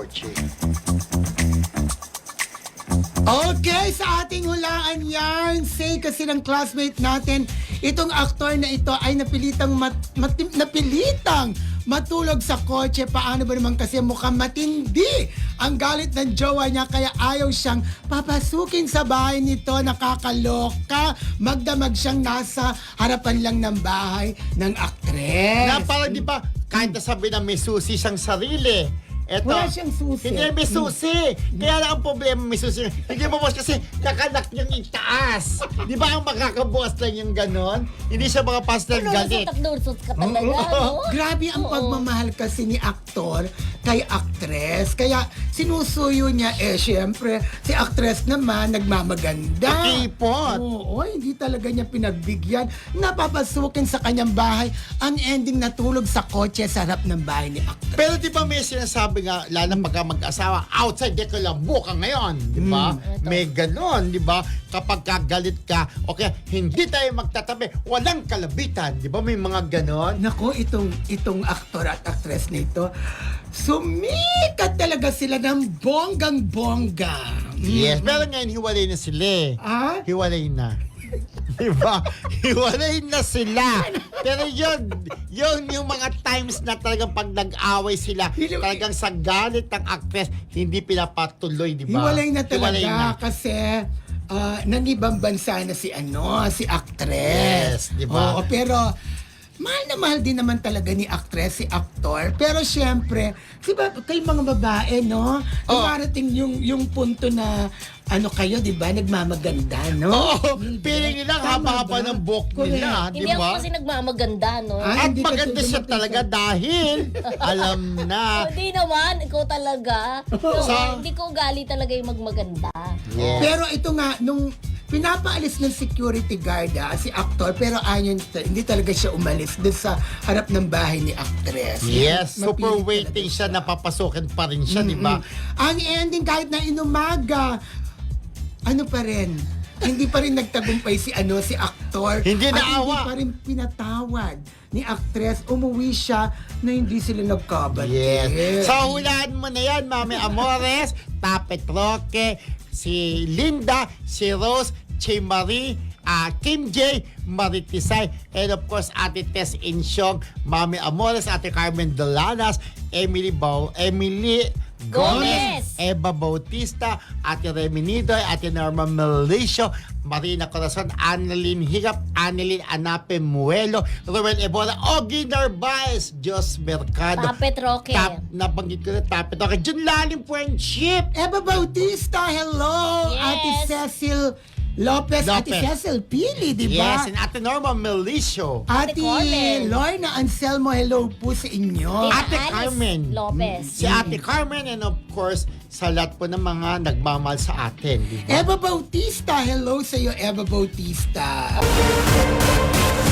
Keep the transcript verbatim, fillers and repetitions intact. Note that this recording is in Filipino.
kotse. Okay, sa ating hulaan yan, say kasi ng classmate natin, itong aktor na ito ay napilitang mat, mat, napilitang matulog sa kotse. Paano ba naman kasi mukhang matindi ang galit ng jowa niya kaya ayaw siyang papasukin sa bahay nito. Nakakaloka. Magdamag siyang nasa harapan lang ng bahay ng aktres. Na parang di ba, kahit nasabi na may susi siyang sarili. Eto, Wala siyang susi. Hindi may susi. Kaya lang ang problema may susi. Hindi mo boss kasi nakanak niyang itaas. Di ba ang makakabukas lang yung ganon? Hindi siya makapas ng galit. Nursot ka talaga, no? Grabe ang Oo. pagmamahal kasi ni aktor kay aktres. Kaya sinusuyo niya, eh syempre, si aktres naman nagmamaganda. Nakipot. Oo, hindi talaga niya pinagbigyan. Napapasukin sa kanyang bahay. Ang ending natulog sa kotse sa harap ng bahay ni aktres. Pero di ba may sinasabi nga, lalo pagka mag-asawa, outside de kalabo ka ngayon. Di ba? Mm. May ganon, di ba? Kapag kagalit ka, okay, hindi tayo magtatabi, walang kalabitan. Di ba? May mga ganon. Nako, itong, itong aktor at aktres nito, sumikat talaga sila ng bonggang-bongga. Yes. Pero ngayon, hiwalay na sila eh. Ah? Hiwalay na. Diba? Hiwalay na sila. Pero yun, yun yung mga times na talagang pag nag-away sila, talagang sa galit ng actress, hindi pinapatuloy, di ba? Hiwalay na talaga Hiwalay na. kasi uh, nangibang bansa na si ano, si actress. Yes, di ba? Oo, pero mahal na mahal din naman talaga ni actress, si actor. Pero syempre, di ba, kayo mga babae, no? Oh. Dumarating yung, yung punto na ano kayo, di ba, nagmamaganda, no? Oo, Hindi. feeling nila Tama haba-haba ba? ng buhok Correct. nila, di Hindi ako ba? kasi nagmamaganda, no? Ah, At hindi ka maganda siya dumating talaga sa- dahil alam na. Hindi naman, ikaw talaga. So, Sa- hindi ko gali talaga yung magmaganda. Yes. Pero ito nga, nung pinapaalis ng security guard ah, si actor, pero ayon, hindi talaga siya umalis dun sa harap ng bahay ni actress. Yes, Mapilit super talaga waiting siya, napapasukin pa rin siya, di ba? Ang ending, kahit na inumaga, ano pa rin, hindi pa rin nagtagumpay si ano si aktor. Hindi At naawa. hindi pa rin pinatawad ni actress. Umuwi siya na hindi sila nagkabati. Yes. So, hulaan mo na yan, Mami Amores, Tapet Roque, si Linda, si Rose, Che Marie, uh, Kim J, Maritisay, and of course, Ate Tess Insyong, Mami Amores, Ate Carmen Dolanas, Emily Bau, Emily Gomez, Gomez. Eva Bautista, Ate Remy Nidoy, Ate Norma Melicio, Marina Corazon, Annalyn Higap, Annalyn Anape Muelo, Ruel Ebola, Ogie Narvaez, Jos Mercado. Tapet Roque. Tap, nabanggit ko na Tapet Roque. Diyan lalim friendship. Eva Bautista, hello! Yes. Ate Cecil Lopez, Ate Lopez. Cecil Pili, di ba? Yes, and Ate Norma Melicio. Ate Ate Carmen. Lorna Anselmo, hello po sa inyo. Tina Ate Alice Carmen. Lopez. Si Ate Carmen, and of course, sa lahat po ng mga nagmamahal sa atin. Di ba? Eva Bautista, hello sa iyo, Eva Bautista.